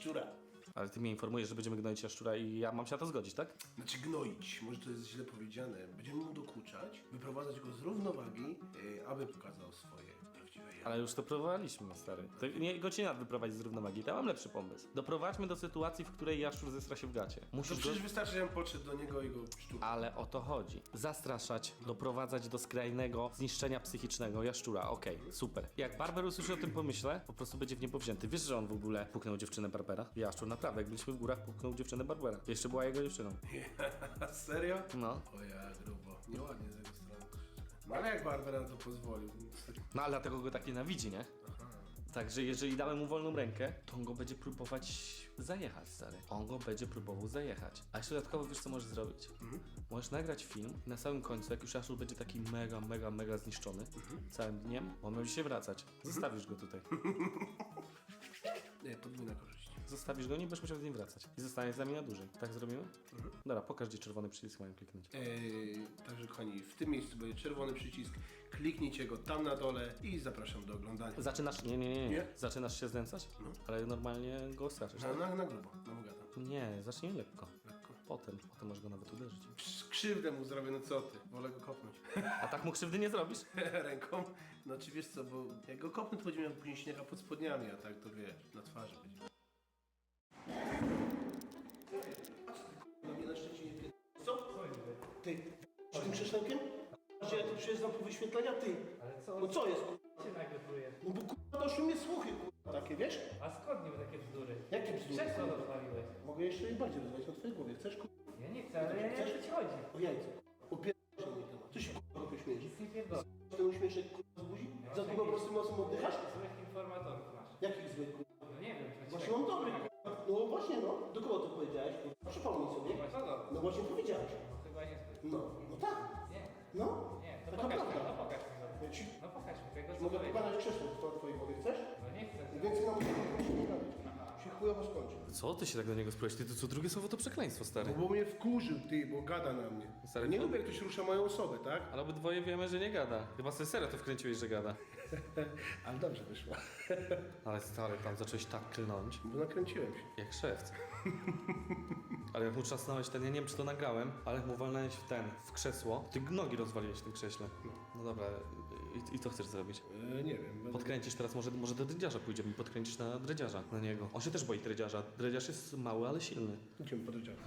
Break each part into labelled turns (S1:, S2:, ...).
S1: jaszczura.
S2: Ale ty mnie informujesz, że będziemy gnoić jaszczura i ja mam się na to zgodzić, tak?
S1: Znaczy gnoić, może to jest źle powiedziane. Będziemy mu dokuczać, wyprowadzać go z równowagi, aby pokazał swoje prawdziwe ja.
S2: Ale już to próbowaliśmy, stary. To nie go cię wyprowadzić z równowagi. Ja mam lepszy pomysł. Doprowadźmy do sytuacji, w której jaszczur zestra się w gacie.
S1: To
S2: Musisz go...
S1: przecież wystarczy, żebym podszedł do niego i go szczur.
S2: Ale o to chodzi. Zastraszać, doprowadzać do skrajnego zniszczenia psychicznego jaszczura. Okej, super. Jak Barber usłyszy o tym pomyśle, po prostu będzie w niebo wzięty. Wiesz, że on w ogóle puknął dziewczynę Barbera? Jaszczur, naprawdę, jak byliśmy w górach, puknął dziewczynę Barbera. Jeszcze była jego dziewczyną.
S1: Serio?
S2: No.
S1: O ja, grubo. Nieładnie z jego strony. No ale jak Barbera na to pozwolił?
S2: No ale dlatego go tak nienawidzi, nie? Także jeżeli damy mu wolną rękę, to on go będzie próbować zajechać, stary. On go będzie próbował zajechać. A jeszcze dodatkowo wiesz, co możesz zrobić? Możesz nagrać film i na samym końcu, jak już Jaszczur będzie taki mega zniszczony całym dniem, on będzie się wracać. Zostawisz go tutaj.
S1: Nie, podwójna korzyść.
S2: Zostawisz go, nie będziesz musiał z nim wracać. I zostanie z nami na dłużej. Tak zrobimy? Dobra, pokaż, gdzie czerwony przycisk mają kliknąć.
S1: Także kochani, w tym miejscu będzie czerwony przycisk, kliknijcie go tam na dole i zapraszam do oglądania.
S2: Zaczynasz... Nie.
S1: Nie?
S2: Zaczynasz się znęcać? Ale normalnie go straszysz.
S1: Na grubo, na bogata.
S2: Nie, zacznij lekko.
S1: Lekko.
S2: Potem możesz go nawet uderzyć.
S1: Krzywdę mu zrobię, no co ty? Wolę go kopnąć.
S2: A tak mu krzywdy nie zrobisz?
S1: Ręką. No czy wiesz co, bo jak go kopnę, to będzie miał później śniega pod spodniami, a tak to wiesz, na twarzy będzie. No mnie na Szczecinie co? Ty, z tym krześlełkiem? Że ja tu przyjeżdżam po wyświetlenia, ty.
S3: Ale co?
S1: No co jest?
S3: Cię nagle pluje.
S1: No bo kurwa doszły mnie słuchy, kurwa, takie, wiesz?
S3: A skąd niby takie bzdury?
S1: Jakie bzdury?
S3: Krzesło rozwaliłeś.
S1: Mogę jeszcze i bardziej rozmawiać na twojej głowie. Chcesz, kurwa?
S3: Ja nie chcę, ale ja nie wiem, o co ci chodzi.
S1: O jajce. Opierdol się mój temat. Co się kurwa śmiejesz?
S3: Nic nie pierdolę.
S1: Ten uśmieszek kurwa z buzi? Za długo prostym nosem oddychasz?
S3: Złych informatorów masz.
S1: Jakich złych kurwa?
S3: No nie wiem, co
S1: Właśnie mam dobry kurwa. No właśnie no. Do kogo to powiedziałeś? Kurwa? Przypomnij sobie.
S3: No co to?
S1: No właśnie powiedziałeś.
S3: No chyba nie zbyt.
S1: No tak.
S3: Nie,
S1: No.
S3: nie, to
S1: Taka
S3: pokaż mi,
S1: prawda.
S3: no pokaż mi to.
S1: Ja ci
S3: No pokaż mi tego, co
S1: mogę
S3: powiedział.
S1: pokazać krzesło w twojej głowie. Chcesz?
S3: No nie chcę.
S1: Więcej nam się nie gadać. Się chujowo skończy.
S2: Co ty się tak do niego spróbujesz? Ty to co drugie słowo to przekleństwo, stary.
S1: No bo mnie wkurzył ty, bo gada na mnie.
S2: Stary,
S1: Nie
S2: to-
S1: lubię jak ktoś rusza moją osobę, tak?
S2: Ale obydwoje wiemy, że nie gada. Chyba sobie serio to wkręciłeś, że gada.
S1: Ale dobrze wyszło.
S2: Ale stary, tam zacząłeś tak klnąć,
S1: Bo nakręciłem się.
S2: jak szewc. Ale jak mu trzasnąłeś ten, ja nie wiem czy to nagrałem, ale jak mu walnąłeś w krzesło, ty nogi rozwaliłeś w tym krześle. No dobra, i co chcesz zrobić?
S1: Nie wiem. Będę...
S2: Podkręcisz teraz, może do dredziarza pójdziemy i podkręcisz na dredziarza, na niego. On się też boi dredziarza. Dredziarz jest mały, ale silny.
S1: Idziemy po dredziarza.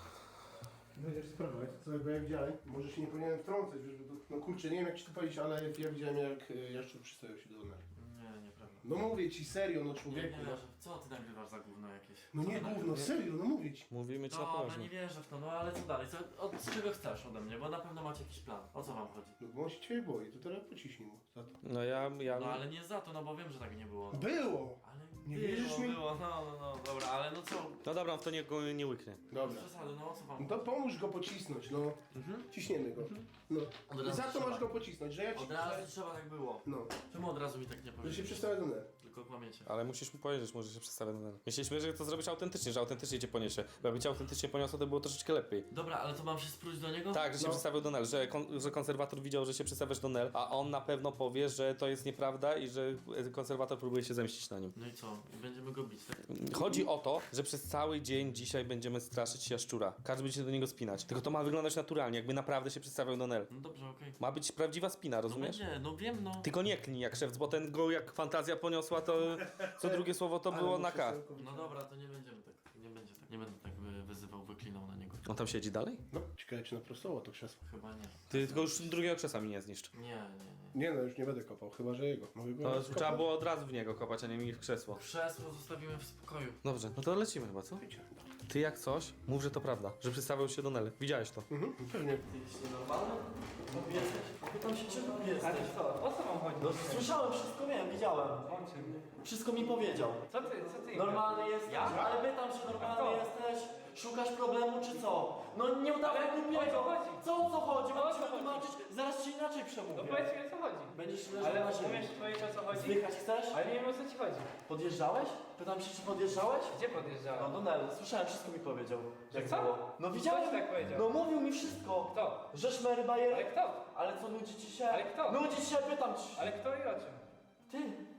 S1: Będziesz sprawować, co ja widziałem. Może się nie powinienem wtrącać, wiesz, bo to, no kurczę, nie wiem jak ci to powiedzieć, ale ja widziałem jak Jaszczur przystawiał się do Donera.
S4: Nie, nieprawda.
S1: No mówię ci serio, no
S4: Nie
S1: człowieku.
S4: wierzę. Co ty nagrywasz za gówno jakieś?
S1: No
S4: Co
S1: nie
S4: ty
S1: gówno,
S4: nagrywasz?
S1: serio, no mówię ci.
S2: Mówimy ci na
S4: Dobra,
S2: poważnie.
S4: nie wierzę w to, no ale co dalej? Od czego chcesz ode mnie? Bo na pewno macie jakiś plan. O co wam chodzi?
S1: No bo on się ciebie boi, to teraz pociśnij mu za to.
S2: No ja...
S4: No ale nie za to, no bo wiem, że tak nie było.
S1: Było!
S4: Ale
S1: Nie
S4: było,
S1: wierzysz mi?
S4: było, no, dobra, ale no co?
S2: No dobra, on w to nie łyknie.
S1: Dobra.
S4: Bez przesady, no o co wam
S1: No to pomóż go pocisnąć, no. Ciśniemy go. No.
S4: Od
S1: I
S4: razu
S1: za to
S4: trzeba.
S1: masz go pocisnąć, że ja ci...
S4: Od razu trzeba tak było.
S1: No.
S4: Czemu od razu mi tak nie
S1: Że się
S4: powiedzieć?
S1: przestawia do ner.
S4: Tylko kłamiecie.
S2: Ale musisz mu powiedzieć, może się przedstawia na... Myśleliśmy, że to zrobisz autentycznie, że autentycznie cię poniesie. Bo jakby cię autentycznie poniosło, to było troszeczkę lepiej.
S4: Dobra, ale to mam się spróć do niego?
S2: Tak, że się
S1: No.
S2: przedstawiał do Nel, że konserwator widział, że się przedstawiasz do Nel, a on na pewno powie, że to jest nieprawda i że konserwator próbuje się zemścić na nim.
S4: No i co? I będziemy go bić, tak?
S2: Chodzi o to, że przez cały dzień dzisiaj będziemy straszyć Jaszczura. Każdy będzie się do niego spinać. Tylko to ma wyglądać naturalnie, jakby naprawdę się przedstawiał do Nel.
S4: No dobrze, okej.
S2: Ma być prawdziwa spina,
S4: No
S2: rozumiesz?
S4: będzie, no wiem, no.
S2: Tylko nie klnij jak szewc, bo ten go jak fantazja poniosła, to co drugie słowo to było na K.
S4: No dobra, to nie będziemy tak. Nie będzie tak. Nie będę tak wyzywał, wyklinał na niego.
S2: On tam siedzi dalej?
S1: No, ciekawe czy naprostowało to krzesło.
S4: Chyba nie.
S2: Ty tylko już drugiego krzesła mi nie zniszcz.
S4: Nie.
S1: Nie no, już nie będę kopał, chyba że jego. Mogę go
S2: To
S1: skopać?
S2: trzeba było od razu w niego kopać, a nie mi w krzesło.
S4: Krzesło zostawimy w spokoju.
S2: Dobrze, no to lecimy chyba, co? Ty jak coś, mów, że to prawda, że przedstawiał się do Nel. Widziałeś to.
S1: Pewnie.
S4: Ty jesteś normalny? Głupi jesteś? Pytam się, czy głupi jesteś?
S3: Ale co? O co wam chodzi?
S4: No słyszałem wszystko, wiem, widziałem.
S3: O czym?
S4: Wszystko mi powiedział.
S3: Co ty?
S4: Normalny jesteś?
S3: Ja?
S4: Ale pytam się, normalny
S3: kto?
S4: jesteś? Szukasz problemu, czy co? No nie udawaj
S3: Ale
S4: głupiego.
S3: o co chodzi?
S4: Co o co chodzi?
S3: O
S4: Mam
S3: co
S4: ci
S3: chodzi?
S4: wytłumaczyć, zaraz ci inaczej
S3: No
S4: przemówię.
S3: powiedz mi o co chodzi.
S4: Będziesz leżał
S3: Ale
S4: na ziemi.
S3: umiesz powiedzieć o co chodzi?
S4: Zdychać chcesz?
S3: Ale nie wiem o co ci chodzi.
S4: Podjeżdżałeś? Pytam się, czy podjeżdżałeś?
S3: Gdzie
S4: No
S3: podjeżdżałem?
S4: do Nel, słyszałem, wszystko mi powiedział. Jak
S3: co?
S4: było. No widziałem.
S3: Kto ci tak powiedział?
S4: No mówił mi wszystko.
S3: Kto?
S4: Że szmery bajery.
S3: Ale kto?
S4: Ale co, nudzi ci się?
S3: Ale kto?
S4: Nudzi ci się, pytam ci.
S3: Ale kto i o czym?
S4: Ty,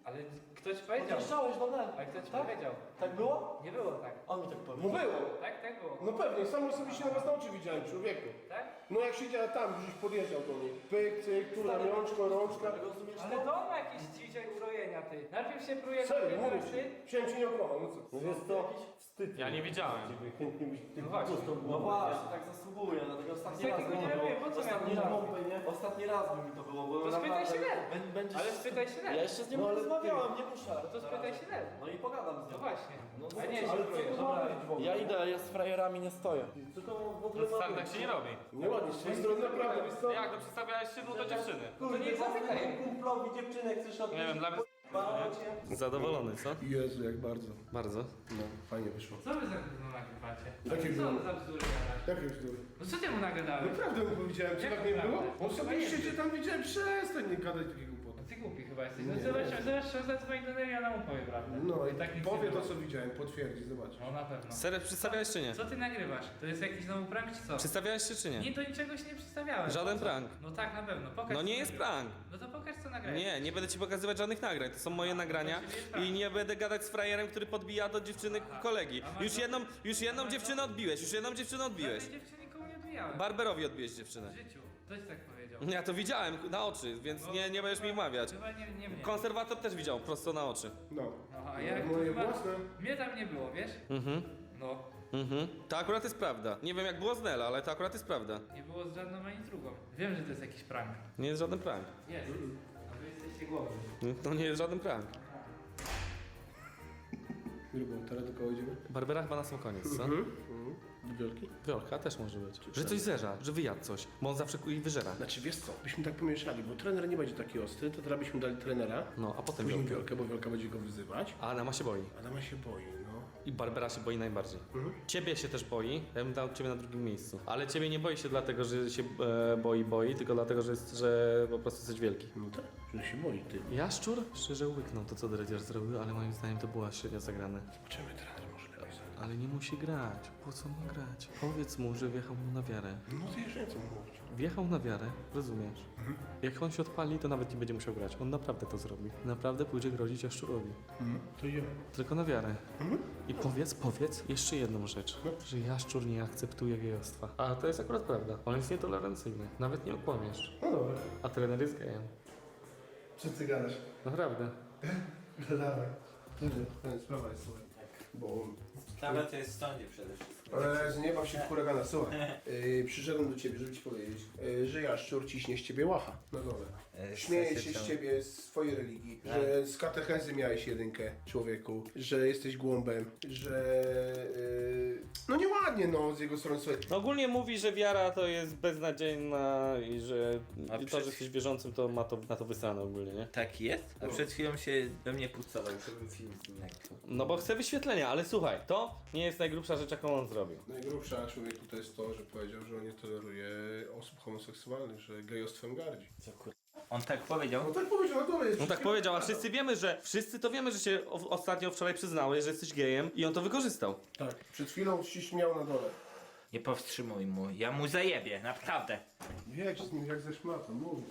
S3: Ale kto ci powiedział?
S4: Odjeżdżałeś do mnie.
S3: Ale kto ci
S4: Tak?
S3: powiedział?
S4: Tak było?
S3: Nie było tak.
S4: On mi tak
S1: No
S4: powiedział.
S1: było.
S3: Tak, tak było.
S1: No pewnie, sam osobiście na własne oczy widziałem, człowieku.
S3: Tak?
S1: No jak siedział tam, gdzieś podjeżdżał do niej. Pyk, cyk, tu rączka.
S4: Rozumiesz
S3: Ale
S4: to?
S3: to ma jakieś dzisiaj urojenia ty. Najpierw się pruje na
S1: Serio, mówię
S3: ty.
S1: ci. Chciałem cię nie okłamać, no co?
S4: No jest to jakiś wstyd.
S2: Ja nie widziałem.
S1: Chętnie byś
S3: No właśnie.
S4: No właśnie, tak zasługuje, dlatego ostatni
S3: Co
S4: raz
S3: takiego
S4: mi
S3: nie
S4: to było.
S3: robię, po co
S4: Ostatni
S3: miałem
S4: raz,
S3: pompę, nie?
S4: ostatni raz by mi to było, bo
S3: To spytaj się Lel.
S4: Będziesz...
S3: Ale spytaj się
S4: Ja
S3: Lel.
S4: jeszcze z nim
S1: No, ale
S4: rozmawiałem, nie muszę.
S3: No to spytaj się Lel.
S4: No i pogadam z
S3: No
S4: nim.
S3: właśnie.
S4: No,
S3: A nie,
S1: ale
S3: się pruje.
S1: co to
S3: Dobra.
S1: ma być w ogóle?
S4: Ja idę, ja z frajerami nie stoję.
S1: Co to w ogóle
S2: No
S1: ma
S2: stary,
S1: być?
S2: tak się nie robi.
S1: Nieładnie, z twojej strony naprawdę, wiesz co?
S2: Jak, to przedstawiałeś się do dziewczyny.
S3: To nie zapytaj.
S4: Kumplowi dziewczynę chcesz odnieść?
S2: Nie wiem, dla mnie... Zadowolony, co?
S1: Jezu, jak bardzo.
S2: Bardzo.
S1: No, fajnie wyszło.
S3: Co wy za gówno nagrywacie?
S1: Jakie
S3: Co
S1: gówno?
S3: za bzdury gadasz?
S1: Jakie bzdury?
S3: No co ty mu nagadałeś?
S1: Naprawdę mu powiedziałem, czy
S3: Jak
S1: tak nie
S3: naprawdę?
S1: było? Osobiście cię tam widziałem, przestań nie gadać takiego głupoty.
S3: Ty głupi chyba jesteś. No
S1: Nie,
S3: zobacz, zadzwoń do Nery, ona mu powie prawdę.
S1: No i
S3: tak nic
S1: powie
S3: nie
S1: to
S3: było.
S1: co widziałem, potwierdzi, zobacz.
S3: No na pewno.
S2: Serio, przedstawiałeś czy nie?
S3: Co ty nagrywasz? To jest jakiś nowy prank czy co?
S2: Przedstawiałeś się czy nie?
S3: Nie, do niczego się nie przedstawiałem.
S2: Żaden
S3: Po co?
S2: prank.
S3: No tak, na pewno. Pokaż
S2: No
S3: co
S2: nie jest
S3: nagrałeś.
S2: prank.
S3: No to pokaż co nagrałeś.
S2: Nie będę ci pokazywać żadnych nagrań. To są moje nagrania
S3: to czyli jest
S2: i nie będę gadać z frajerem, który podbija do dziewczyny kolegi.
S3: A masz
S2: Już jedną dziewczynę odbiłeś, już jedną dziewczynę odbiłeś.
S3: Żadnej dziewczyny nikomu nie odbijałem.
S2: Barberowi odbiłeś dziewczynę.
S3: W życiu. Ktoś tak powiedział.
S2: Ja to widziałem na oczy, więc nie będziesz mi wmawiać.
S3: Chyba nie mnie.
S2: Konserwator też widział prosto na oczy.
S1: No.
S3: No, a jak
S1: Moje
S3: chyba...
S1: własne.
S3: Mnie tam nie było, wiesz? No.
S2: To akurat jest prawda. Nie wiem jak było z Nela, ale to akurat jest prawda.
S3: Nie było z żadną ani drugą. Wiem, że to jest jakiś prank.
S2: Nie jest żaden prank.
S3: Jest. A wy jesteście głowni.
S2: To nie jest żaden prank.
S1: Grubą, teraz do kogo idziemy?
S2: Barbera chyba na sam koniec, co?
S1: Do wielki?
S2: Wiolka też może być. Że coś zerza, że wyjadł coś, bo on zawsze jej wyżera.
S1: Znaczy wiesz co, byśmy tak pomieszali, bo trener nie będzie taki ostry, to teraz byśmy dali trenera,
S2: No, a potem
S1: później
S2: Wiolkę.
S1: wielkę, bo wielka będzie go wyzywać,
S2: A Adama się boi.
S1: Adama się boi, no.
S2: I Barbera się boi najbardziej. Ciebie się też boi, ja bym dał ciebie na drugim miejscu. Ale ciebie nie boi się dlatego, że się boi, tylko dlatego, że po prostu jesteś wielki.
S1: No tak, że się boi, ty.
S2: Jaszczur szczerze łyknął to, co Dredziarz zrobił, ale moim zdaniem to było średnio zagrane.
S1: Zobaczymy, trener może lepiej zagrać.
S2: Ale nie musi grać. Po co ma grać? Powiedz mu, że wjechał mu na wiarę.
S1: No to jeszcze nie chcę mówić.
S2: Wjechał na wiarę, rozumiesz? Jak on się odpali, to nawet nie będzie musiał grać. On naprawdę to zrobi. Naprawdę pójdzie grozić Jaszczurowi.
S1: To idziemy.
S2: Tylko na wiarę. I powiedz jeszcze jedną rzecz. Że Jaszczur nie akceptuje gejostwa. A to jest akurat prawda. On jest nietolerancyjny. Nawet nie okłamiesz.
S1: No dobra.
S2: A trener jest gejem.
S1: Co ty gadasz?
S2: Naprawdę.
S1: No dawaj. Sprawa jest słuchaj. Bo...
S5: Sprawa to jest w sądzie przede wszystkim.
S1: Ale nie baw się w huragana, słuchaj. Przyszedłem do ciebie, żeby ci powiedzieć, że Jaszczur ciśnie z ciebie łacha na dole. Śmieje się z ciebie, z twojej religii, że z katechezy miałeś jedynkę, człowieku, że jesteś głąbem, że... no nieładnie, no, z jego strony, słuchaj.
S2: Ogólnie mówi, że wiara to jest beznadziejna i że
S5: A
S2: to,
S5: przed-
S2: że jesteś wierzącym, to ma to na to wysrane ogólnie, nie?
S5: Tak jest? A przed chwilą się we mnie pucował, żebym film z nim nagrał.
S2: No bo chce wyświetlenia, ale słuchaj, to nie jest najgrubsza rzecz, jaką on zrobił.
S1: Najgrubsza człowieku to jest to, że powiedział, że on nie toleruje osób homoseksualnych, że gejostwem gardzi.
S5: Co kur... On tak powiedział?
S1: No tak powiedział, na dole jest.
S2: On tak powiedział, a wszyscy to wiemy, że się ostatnio wczoraj przyznałeś, że jesteś gejem i on to wykorzystał.
S1: Tak, przed chwilą się śmiał na dole.
S5: Nie powstrzymuj mu, ja mu zajebię, naprawdę.
S1: Jedź z nim jak ze szmatą, mówię.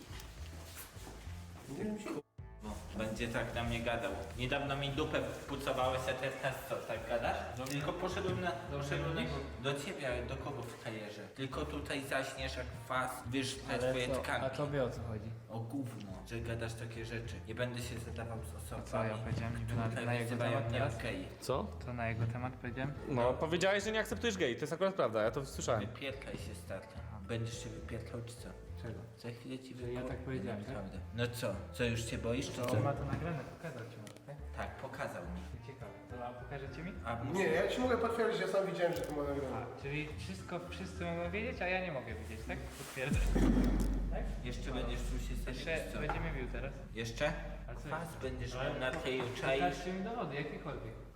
S1: Nie wiem się.
S5: O, będzie tak na mnie gadał. Niedawno mi dupę pucowałeś, a teraz co, tak gadasz? Tylko poszedłem do ciebie, ale do kogo w kajerze? Tylko tutaj zaśniesz jak was, wiesz te twoje tkanki.
S3: tobie o co chodzi?
S5: O gówno, że gadasz takie rzeczy. Nie będę się zadawał z osobami.
S3: co, ja powiedziałem niby na
S5: które
S3: jego
S5: wyzywają
S3: temat
S5: mnie
S3: teraz?
S5: okej.
S2: Co?
S3: To na jego temat powiedziałem?
S2: No, powiedziałeś, że nie akceptujesz gej, to jest akurat prawda, ja to słyszałem.
S5: Wypierdkaj się starta. Będziesz się wypierdkał czy co?
S3: Czego?
S5: Za chwilę ci
S3: ja
S5: wypierdkam.
S3: tak powiedziałem, tak?
S5: Naprawdę. No co? Co już się boisz czy
S3: To
S5: co?
S3: on ma to nagrane, pokazał ci może, tak?
S5: Tak, pokazał mi.
S3: Ciekawe. To a pokażecie mi?
S5: A
S1: Nie, ja ci mogę potwierdzić, ja sam widziałem, że to ma nagrane.
S3: A, czyli wszyscy mogą wiedzieć, a ja nie mogę wiedzieć, tak? Potwierdzam. Tak?
S5: Jeszcze będziesz czuł się sobie
S3: Jeszcze
S5: co?
S3: będziemy bił teraz.
S5: Jeszcze?
S3: A co
S5: Kwas
S3: jest?
S5: będziesz miał na tej czaisz.
S3: Pokażcie mi dowody, jakiekolwiek.
S5: Kwas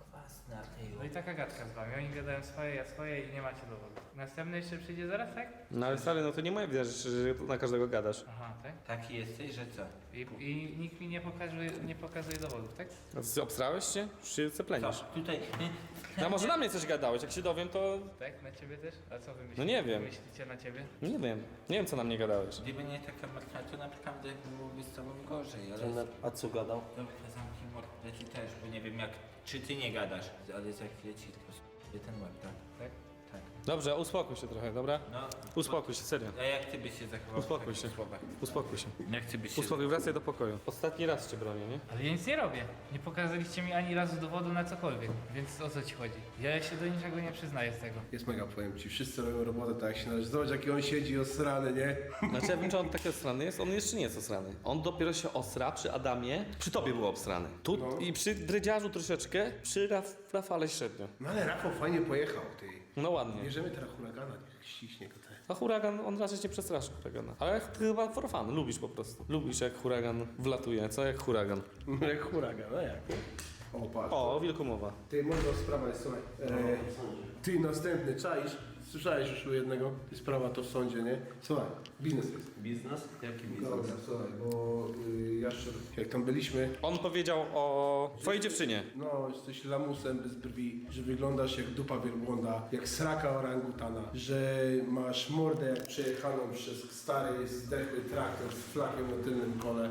S5: Na tej
S3: No i taka gadka z wami. Oni gadają swoje, ja swoje i nie macie dowodu. Następny jeszcze przyjdzie zaraz, tak?
S2: No ale stary, no to nie moja wina, że na każdego gadasz.
S3: Aha, tak?
S5: Taki jesteś, że co?
S3: I nikt mi nie pokazuje dowodów, tak?
S2: A ty obstrałeś się? Już się ceplenisz.
S5: Co? Tutaj...
S2: A może na mnie coś gadałeś? Jak się dowiem, to...
S3: Tak? Na ciebie też? A co wy myślicie?
S2: No nie wiem.
S3: Myślicie na ciebie?
S2: Nie wiem. Nie wiem, co na mnie gadałeś.
S5: Gdyby nie taka marka, to naprawdę byłoby z tobą gorzej, ale...
S6: Trener, a co gadał?
S5: Dobra, zamknij mordę, ty też, bo nie wiem jak... Czy ty nie gadasz, ale za chwilę ci to ten łeb, tak?
S3: Tak?
S5: Tak.
S2: Dobrze, uspokój się trochę, dobra?
S5: No,
S2: Uspokój się, serio.
S5: a jak ty byś się zachował
S2: Uspokój
S5: w takich
S2: się.
S5: słowach?
S2: Uspokój się.
S5: Jak ty byś się
S2: Uspokój, wracaj do pokoju. Ostatni raz cię bronię, nie?
S3: Ale ja nic nie robię. Nie pokazaliście mi ani razu dowodu na cokolwiek. Więc o co ci chodzi? Ja się do niczego nie przyznaję z tego.
S1: Jest mega, powiem ci, wszyscy robią robotę tak jak się należy. Zobacz jaki on siedzi osrany, nie?
S2: Znaczy ja wiem, czy on taki osrany jest, on jeszcze nie jest osrany. On dopiero się osra przy Adamie, przy tobie był obsrany. Tu
S1: No.
S2: i przy Dredziarzu troszeczkę, przy Rafale średnio.
S1: No ale Rafał fajnie pojechał, ty.
S2: No ładnie.
S1: Bierzemy teraz huragana, niech ściśnie go te.
S2: A huragan, on raczej cię przestraszy huragana. Ale ty chyba for fun, lubisz po prostu. Lubisz jak huragan wlatuje, co jak huragan.
S1: No jak huragan, no jak? O, patrz.
S2: O, wilkomowa.
S1: Ty, może sprawa jest, słuchaj. Ty, następny, czaisz? Słyszałeś już u jednego? Sprawa to w sądzie, nie? Słuchaj, biznes jest.
S6: Biznes? Jaki biznes?
S1: Dobra, słuchaj, bo Jaszczur, jak tam byliśmy,
S2: On powiedział o twojej dziewczynie.
S1: no, jesteś lamusem bez brwi, że wyglądasz jak dupa wielbłąda, jak sraka orangutana, że masz mordę jak przejechaną przez stary, zdechły traktor z flakiem na tylnym kole.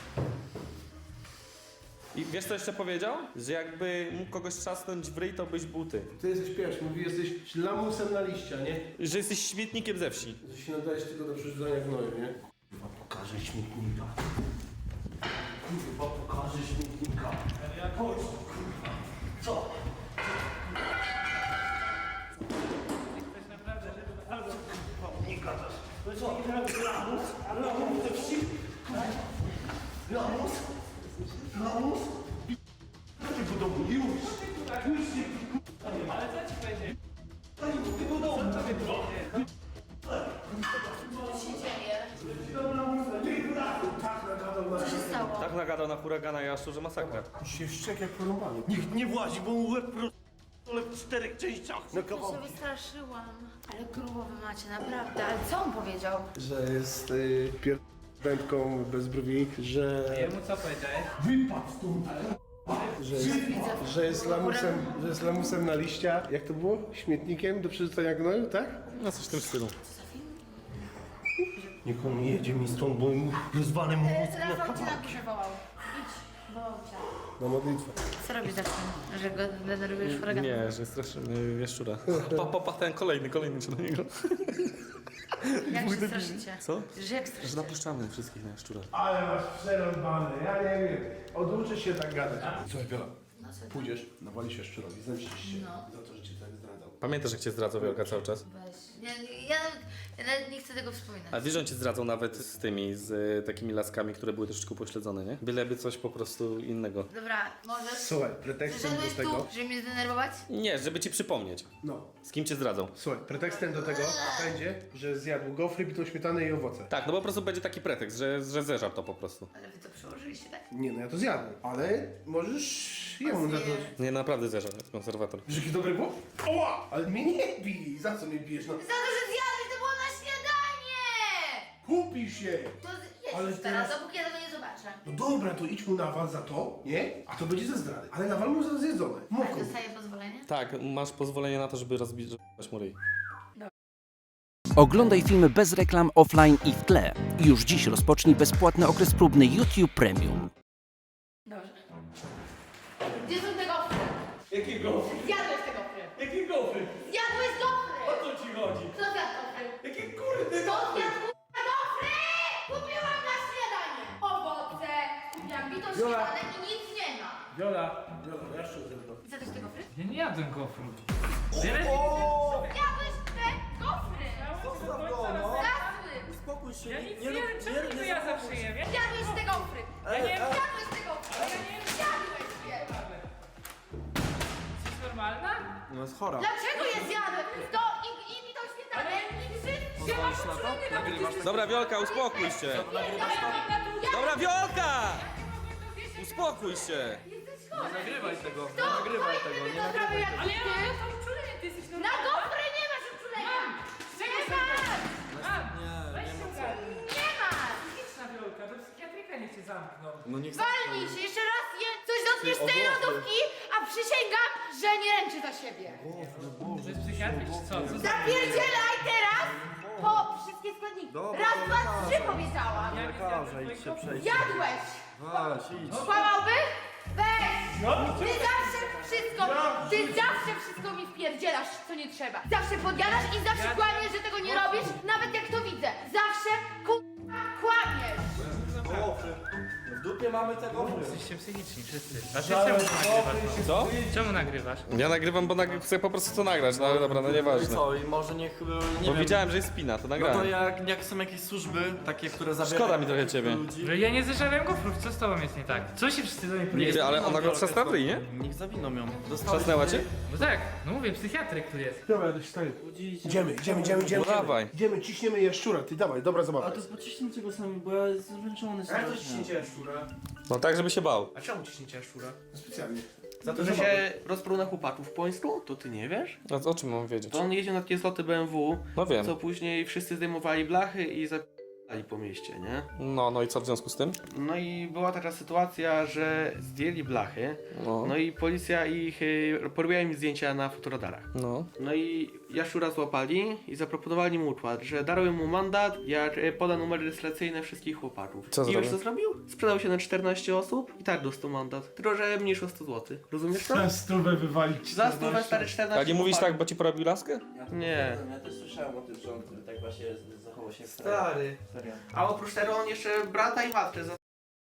S2: I wiesz co jeszcze powiedział? Że jakby mógł kogoś trzasnąć w ryj, to byś był ty.
S1: Ty jesteś pierwszy, mówi, jesteś lamusem na liścia, nie?
S2: Że jesteś śmietnikiem ze wsi.
S1: Że się nadajesz tylko do przerzucania gnoju, nie?
S6: Kurwa, pokażę śmietnika. Kurwa, pokażę śmietnika. Chodź tu, kurwa. Co? Nie gadasz. No co? Lamus? Lamus ze wsi? Lamus? Lamus? Chodź do domu, już! Już nie,
S3: Ale co ci będzie?
S6: Daj mu tego domu! Co tobie
S1: Tak nagadał na
S7: Co się stało?
S2: Tak nagadał na huragana Jaszczu, że masakra.
S1: się szczek jak porąbany.
S6: Niech nie włazi, bo mu łeb ale w 4 częściach na
S7: Ja się
S6: kawałki.
S7: wystraszyłam. Ale grubo wy macie, naprawdę. Ale co on powiedział?
S1: Że jest pierdętką bez brwi, że...
S3: Jemu co powiedziałeś?
S6: Wypadł stąd!
S1: Że jest lamusem na liścia. Jak to było? Śmietnikiem do przerzucania gnoju, tak?
S2: No coś w tym stylu.
S6: Niech on nie jedzie mi stąd, bo mu rozwalę mu mózg na
S7: Rafał cię na
S6: kawałki.
S7: górze wołał. Idź, wołał cię.
S1: Na modlitwę.
S7: Co robisz za tym, że go denerwujesz huraganem?
S2: Nie, że straszymy Jaszczura. Ten kolejny się do niego.
S7: Jak się straszycie?
S2: Co?
S7: Że jak
S2: Że
S7: straszycie?
S2: napuszczamy wszystkich na Jaszczura.
S1: Ale masz przerąbane, ja nie wiem. Oduczysz się tak gadać. Słuchaj, Wiola,
S7: No co?
S1: pójdziesz, nawalisz się szczurowi, zemścisz się
S7: No.
S1: za to, że cię tak zdradzał.
S2: Pamiętasz, jak cię zdradzał Wielka cały czas?
S7: Weź. Ja nawet nie chcę tego wspominać.
S2: A wiesz, że on cię zdradzał nawet z tymi, z takimi laskami, które były troszeczkę pośledzone, nie? Byleby coś po prostu innego.
S7: Dobra, możesz.
S1: Słuchaj, pretekstem
S7: Przyszedłeś
S1: do tego...
S7: tu, żeby mnie zdenerwować?
S2: Nie, żeby ci przypomnieć,
S1: No,
S2: z kim cię zdradzał.
S1: słuchaj, pretekstem do tego będzie, że zjadł gofry, bitą śmietanę i owoce.
S2: Tak, no po prostu będzie taki pretekst, że zeżarł to po prostu.
S7: Ale wy to przełożyliście, tak?
S1: Nie no, ja to zjadłem, ale możesz jemu za to...
S2: Nie, naprawdę zeżarł, jest konserwator.
S1: Że jakie dobre było? Oła! Ale mnie nie bij! Za co mnie bijesz? No,
S7: Za to, że zjadłeś, to było na śniadanie!
S1: kupi się!
S7: To
S1: Ale
S7: jedz już teraz,
S1: teraz-
S7: dopóki ja tego nie zobaczę.
S1: No dobra, to idź mu nawal za to, nie? A to będzie ze zdrady. Ale nawal mu za zjedzone.
S7: Ale
S1: Moko.
S7: dostaję pozwolenie?
S2: Tak, masz pozwolenie na to, żeby rozbić mu ryj.
S8: Oglądaj filmy bez reklam offline i w tle. Już dziś rozpocznij bezpłatny okres próbny YouTube Premium.
S7: Dobrze. Gdzie są te gofry?
S6: Jakie gofry?
S7: Zjadłeś te gofry!
S6: Jakie gofry?
S7: Zjadłeś gofry!
S6: O co ci chodzi?
S7: Kto zjadł gofry?
S6: Jakie kurde
S7: Kto
S6: gofry?
S7: zjadł k***a gofry? Kupiłam na śniadanie! Owoce, kupiłam bitą
S1: Wiola.
S7: śniadanę i nic nie ma.
S1: Viola, ja szczerze zjadłem.
S7: Zjadłeś te gofry?
S3: Ja nie jadłem gofru.
S7: Zjadłeś te gofry!
S6: Zostaw go, no!
S7: Zjadły!
S6: Uspokój się,
S3: Ja nic nie wiem, czemu niby ja zawsze jem? Ja
S7: Zjadłeś te gofry!
S3: ja nie wiem,
S7: Zjadłeś te gofry! Zjadłeś je!
S3: jesteś normalna?
S6: No jest chora.
S7: Dlaczego je zjadłem? To i bitą śniadanę i wszystko!
S3: Ja mam uczulenie nawet.
S2: Dobra, Wiolka, uspokój się! Dobra, Wiolka! Uspokój się!
S7: Jesteś nagrywaj tego, nie nagrywaj tego, nie nagrywaj tego.
S3: Ale ja mam uczulenie, ty jesteś
S7: Na
S3: normalny.
S7: gofry nie masz uczulenia! Nie masz!
S3: Weź się ogarnij.
S7: Nie masz!
S3: Psychiczna Wiolka, do psychiatryka niech cię zamkną.
S6: No niech
S7: Walnij się, jeszcze raz coś dotkniesz z tej lodówki, a przysięgam, że nie ręczy za siebie.
S3: To jest psychiatryk czy co? Co za...
S7: Zapierdzielaj teraz po wszystkie składniki. Raz, dwa, trzy powiedziałam.
S6: lekarza, idź się przejść.
S7: Jadłeś!
S6: Weź, idź.
S7: Kłamałby? Weź! Ty zawsze wszystko mi wpierdzielasz, co nie trzeba. Zawsze podjadasz i zawsze kłamiesz, że tego nie robisz, nawet jak to widzę. Zawsze kłamiesz.
S6: W dupie mamy tego.
S3: Jesteście psychiczni wszyscy. A ty czemu nagrywasz?
S2: Co?
S3: Czemu nagrywasz?
S2: Ja nagrywam, bo chcę po prostu to nagrać, no ale dobra, no
S6: I
S2: nieważne.
S6: co, i może niech, nie
S2: Bo
S6: wiem.
S2: widziałem, że jest spina, to
S6: No to
S2: nagrałem.
S6: jak są jakieś służby, takie, które zabierają...
S2: Szkoda mi trochę ciebie.
S6: ludzi.
S3: No ja nie zeszedłem gofrów, co z tobą jest nie tak? Co się wszyscy do mnie
S2: Nie,
S3: powiedzieli?
S2: ale ona go trzasnęła w ryj, nie?
S6: Niech zawiną ją.
S2: Trzasnęła cię?
S3: No tak, no mówię, psychiatryk tu jest.
S1: Dobra, dość stary. Idziemy.
S2: No dawaj.
S1: Idziemy, ciśniemy jaszczura, ty dawaj, dobra zabawa.
S6: A to pociśnijcie go sami, bo ja jestem zmęczony strasznie.
S1: jaszczura?
S2: No tak, żeby się bał.
S1: A czemu ciśniecie jaszczura? No specjalnie.
S9: Za to, że się rozpruł na chłopaków w Pońsku? To ty nie wiesz?
S2: No o czym mam wiedzieć?
S9: To on jeździł na takie zloty BMW,
S2: No wiem.
S9: co później wszyscy zdejmowali blachy i zapali po mieście, nie?
S2: No i co w związku z tym?
S9: No i była taka sytuacja, że zdjęli blachy,
S2: No.
S9: no i policja ich, porobiła im zdjęcia na fotoradarach.
S2: No.
S9: No i jaszczura złapali i zaproponowali mu układ, że darują mu mandat, jak poda numery rejestracyjne wszystkich chłopaków.
S2: Co
S9: I wiesz
S2: zrobił?
S9: co zrobił? Sprzedał się na 14 osób i tak dostał mandat. Tylko, że mniejszy o 100 zł. Rozumiesz to?
S6: Stówę wywalić.
S9: Za stówę stary 14
S2: A nie mówisz
S9: chłopaków.
S2: tak, bo ci porobił laskę?
S9: Nie.
S10: Ja też słyszałem o tym, że on tak właśnie zachował się
S9: Stary.
S10: Serio.
S9: A oprócz tego on jeszcze brata i matkę za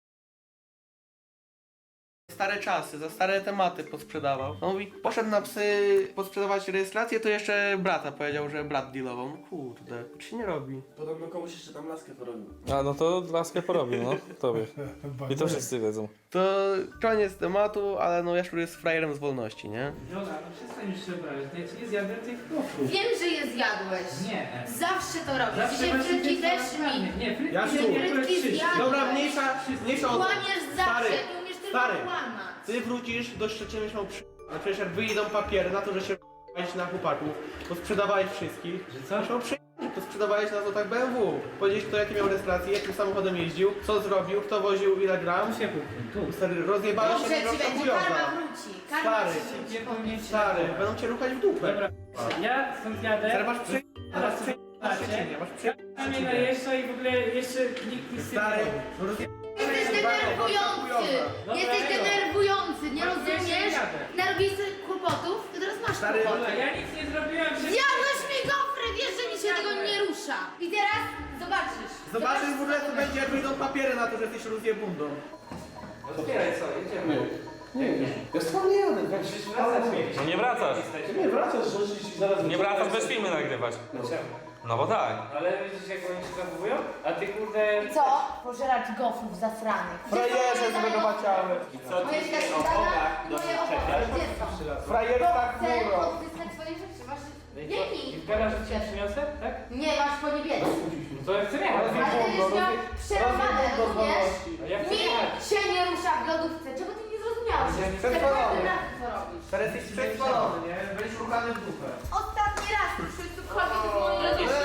S9: stare czasy, za stare tematy podsprzedawał. On mówi, poszedł na psy podsprzedawać rejestrację, to jeszcze brata powiedział, że brat dealował. No kurde, to się nie robi.
S10: Podobno komuś jeszcze tam laskę porobił.
S2: A no to laskę porobił, no. Tobie. I to wszyscy wiedzą.
S9: To koniec tematu, ale no Jaszczur jest frajerem z wolności, nie?
S3: Jola, no przestań już się obrażać, ja ci nie zjadłem tych gofrów.
S7: Wiem, że je zjadłeś.
S3: Nie.
S7: Zawsze to robisz.
S3: Zawsze
S7: Dzisiaj
S3: właśnie
S7: frytki
S3: ty
S7: też
S3: zjadłeś.
S7: mi.
S3: Nie, frytki
S9: Jaszczur.
S3: nie,
S7: Frytki zjadłeś.
S9: Dobra, mniejsza o to.
S7: Kłamiesz zawsze,
S9: Stary,
S7: ty umiesz tylko
S9: stary.
S7: kłamać.
S9: Ty wrócisz do Szczecina miał ale przecież jak wyjdą papiery na to, że się na chłopaków, to sprzedawałeś wszystkich.
S3: Że co?
S9: Miał to sprzedawałeś na złotach BMW. Powiedzieć kto jaki miał rejestrację, jakim samochodem jeździł, co zrobił, kto woził ile gram.
S3: Tu się kupił, tu.
S9: Stary, rozjebałeś
S7: Dobrze
S9: się
S7: ci będzie,
S9: chujoza.
S7: karma wróci. Karma
S9: Stary.
S7: wróci.
S3: Nie powinien się...
S9: Stary, będą cię ruchać w dupę.
S3: Dobra, ja stąd jadę.
S9: Stary, masz przy...
S3: Teraz
S9: Masz przy...
S3: macie.
S9: Szczecinie, masz przy...
S3: A mnie najeżdża i w ogóle jeszcze nikt nic nie
S9: Stary,
S3: robi.
S7: Jesteś denerwujący!
S3: Dobra,
S7: Jesteś
S3: Ejo.
S7: denerwujący, nie
S3: No,
S7: rozumiesz?
S3: jeszcze jadę.
S7: Narobiłeś sobie kłopotów, to teraz masz
S9: Stary,
S7: kłopoty.
S3: Dobra, ja nic nie zrobiłem, że...
S7: Zjadłeś mi gofry, wiesz, że mi się tego nie rusza. I teraz zobaczysz.
S9: zobaczysz w ogóle co będzie jak wyjdą papiery na to, że jesteś rozjebundą.
S3: Otwieraj co, jedziemy.
S1: Ja z tobą nie jadę.
S2: No nie wracasz.
S1: Nie wracasz, że zaraz...
S2: Nie wracasz bez filmy nagrywać. No bo tak.
S3: Ale widzisz jak oni się zachowują? A ty kurde...
S7: Co? Pożeracz gofrów zasranych.
S9: Frajerze z mego maciały.
S7: Moje śledztwa, moje owoce, gdzie są?
S9: Frajer tak
S7: Chcę
S9: muro.
S7: odzyskać swoje rzeczy, masz... Biegnij.
S3: I w garażu ci przyniosę, tak?
S7: Nie, masz po niebiesku.
S3: No to ja chcę jechać.
S7: Ale ty będziesz miał przerwane, rozumiesz?
S3: A ja chcę
S7: Mi
S3: jechać.
S7: się nie rusza w lodówce. Czego ty nie zrozumiałeś?
S3: Ja nie
S7: Za każdym
S9: przespalony.
S7: razem co robisz.
S9: Teraz jesteś przechwalony, nie? Będziesz ruchany w dupę.
S7: Ostatni raz ruszyłeś tu kobiet w mojej lodówce.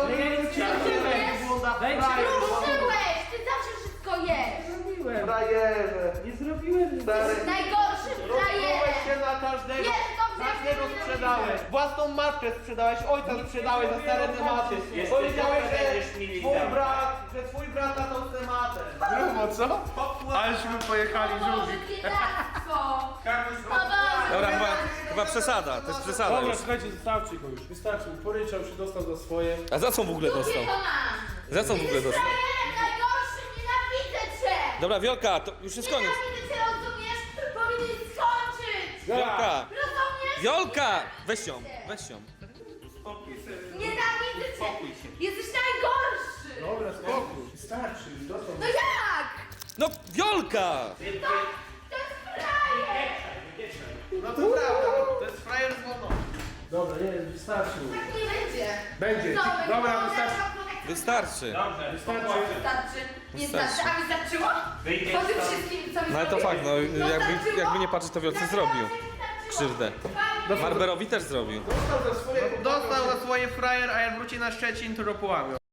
S7: Ruszyłeś! Ty zawsze wszystko jesz!
S9: Frajerze.
S3: Nie zrobiłem nic.
S9: Stary.
S7: Najgorszy
S9: Rozprułeś
S7: frajer!
S9: się na każdego.
S7: Wiesz dobrze,
S9: Każdego
S7: jak to
S9: sprzedałeś. Własną matkę sprzedałeś, ojca sprzedałeś za stare tematy. Powiedziałeś, że twój brat na tą tematę.
S1: Grubo, co? Aleśmy pojechali, żółwik.
S7: biedactwo!
S2: Dobra, chyba przesada, to jest przesada
S1: Dobra,
S2: już.
S1: słuchajcie, wystarczy go już. Wystarczy, poryczał się, dostał za swoje.
S2: A za co w ogóle dostał? Za co w ogóle dostał?
S7: Frajerem najgorszym, nienawidzę cię!
S2: Dobra, Wiolka, to już jest koniec.
S7: Nienawidzę cię, rozumiesz? Powinieneś skończyć!
S2: Wiolka!
S7: Rozumiesz?
S2: Wiolka! Weź ją, weź ją.
S7: Nienawidzę cię! Jesteś najgorszy!
S1: Dobra, spokój. Wystarczy, już dostał.
S7: No jak?
S2: No, Wiolka!
S7: To jest frajer!
S9: No to prawda, to jest frajer z wolności.
S1: Dobra, nie, wystarczy.
S7: Tak nie będzie.
S1: Będzie.
S7: Zobacz,
S1: Dobra,
S7: ona
S1: wystarczy.
S7: ma
S2: Wystarczy.
S5: Dobrze,
S7: Wystarczy. Nie starczy. A mi starczyło? Po tym wszystkim, co mi
S2: No ale to
S7: zrobił?
S2: fakt, no jakby nie patrzeć, to Wiolce zrobił krzywdę. Marberowi też zrobił.
S1: Dostał za swoje
S9: Dostał za swoje frajer, a jak wróci na Szczecin, to go połamią.